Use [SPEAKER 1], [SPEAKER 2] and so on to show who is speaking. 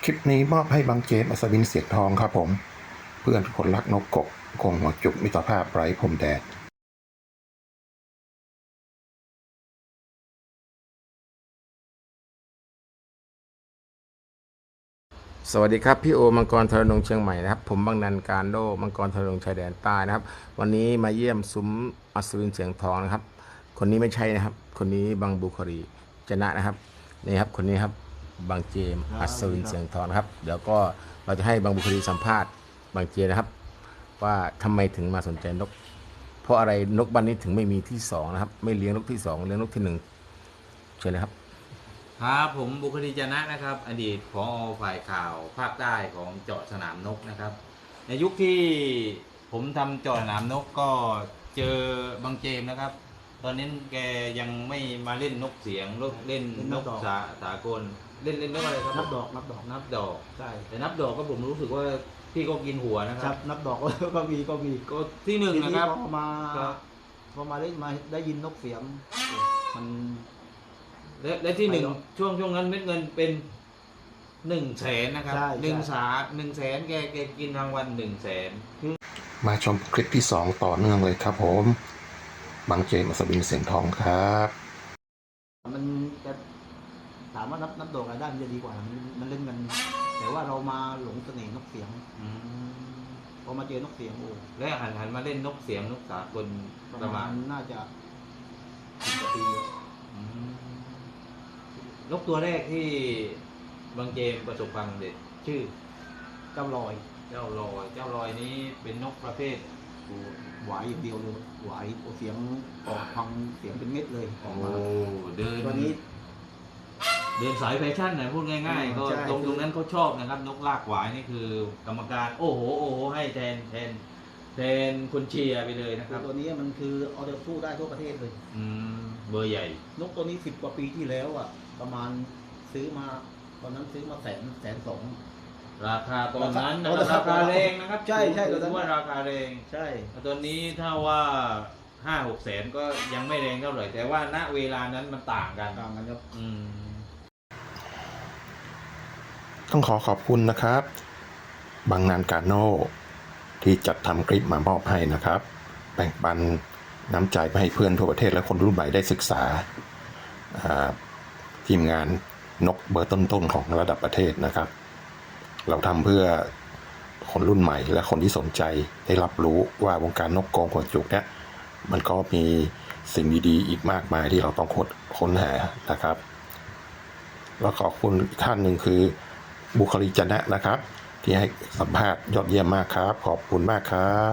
[SPEAKER 1] คลิปนี้มอบให้บางเจมส์อัศวินเสียงทองครับผมเพื่อนคนรักนกกบคงหัวจุกมิตรภาพไร้พรมแดน
[SPEAKER 2] สวัสดีครับพี่โอมังกรทรนงเชียงใหม่นะครับผมบางนันการโดมังกรทรนงชายแดนใต้นะครับวันนี้มาเยี่ยมซุ้มอัศวินเสียงทองนะครับคนนี้ไม่ใช่นะครับคนนี้บางบุครีชนะนะครับนี่ครับคนนี้ครับบางเจมอัศวินเสียงทองนะครับเดี๋ยวก็เราจะให้บางบุครีสัมภาษณ์บางเจนะครับว่าทำไมถึงมาสนใจนกเพราะอะไรนกบ้านนี้ถึงไม่มีที่สองนะครับไม่เลี้ยงนกที่สองเลี้ยงนกที่หนึ่งเชิญเลยครับ
[SPEAKER 3] ครับผมบุคลีจนะนะครับอดีตผอ.ฝ่ายข่าวภาคใต้ของเจาะสนามนกนะครับในยุคที่ผมทำเจาะสนามนกก็เจอบางเจมนะครับตอนนี้แกยังไม่มาเล่นนกเสียงเล่นนกสากลเล่นนกอะไรครับนับดอกใช่แต่นับดอกก็ผมรู้สึกว่าพี่ก็กินหัวนะครับ
[SPEAKER 4] นับดอกก็มี
[SPEAKER 3] ก็ที่หนึ่งนะครับ
[SPEAKER 4] พอมาเล่นมาได้ยินนกเสียงมัน
[SPEAKER 3] และที่หนึ่งช่วงนั้นเม็ดเงินเป็น100,000นะครับ100,000แกกินรางวัล100,000
[SPEAKER 1] มาชมคลิปที่2ต่อเนื่องเลยครับผมบางเจมส์อัศวินเสียงทองครับ
[SPEAKER 4] มันจะถามว่านับดอกอะไรได้มันจะดีกว่ามันเล่นกันแต่ว่าเรามาหลงเสน่ห์นกเสียงพอมาเจอนกเสียง
[SPEAKER 3] และหันมาเล่นนกเสียงนกสากลประมาณ
[SPEAKER 4] น่าจะ10 กว่าปี
[SPEAKER 3] นกตัวแรกที่บางเจมประสบความสำเร็จชื่อ
[SPEAKER 4] เจ้าลอย
[SPEAKER 3] นี้เป็นนกประเภท
[SPEAKER 4] หวายอย่างเดียวเลยหวายเสียงออกพังเสียงเป็นเม็ดเลยออกมา
[SPEAKER 3] ตัวนี้เดินสายแฟชั่นนะพูดง่ายๆก็ตรงนั้นเขาชอบนะครับนกลากหวายนี่คือกรรมการโอ้โหให้แทนคนเชียร์ไปเลยนะครับ
[SPEAKER 4] ตัวนี้มันคือเอาเดสู้ได้ทั่วประเทศเลย
[SPEAKER 3] เบอร์ใหญ่
[SPEAKER 4] นกตัวนี้10 กว่าปีที่แล้วอ่ะประมาณซื้อมาตอนนั้นซื้อมา120,000
[SPEAKER 3] ราคาตอนนั้นราคาแรงนะครับ
[SPEAKER 4] ใช่
[SPEAKER 3] ตอนนั้นว่าราคาแรง
[SPEAKER 4] ใช่
[SPEAKER 3] ตอนนี้ถ้าว่า5-6 แสนก็ยังไม่แรงเท่าไหร่แต่ว่าณเวลานั้นมันต่างกัน
[SPEAKER 4] ครับ
[SPEAKER 1] ต้องขอบคุณนะครับบางนานกาโน่ที่จัดทำคลิปมามอบให้นะครับแบ่งปันน้ำใจไปให้เพื่อนทั่วประเทศและคนรุ่นใหม่ได้ศึกษาทีมงานนกเบอร์ต้นๆของระดับประเทศนะครับเราทำเพื่อคนรุ่นใหม่และคนที่สนใจได้รับรู้ว่าวงการนกกรงหัวจุกเนี่ยมันก็มีสิ่งดีๆอีกมากมายที่เราต้องค้นหานะครับแล้วขอบคุณอีกท่านหนึ่งคือบุคลีจนะนะครับที่ให้สัมภาษณ์ยอดเยี่ยมมากครับขอบคุณมากครับ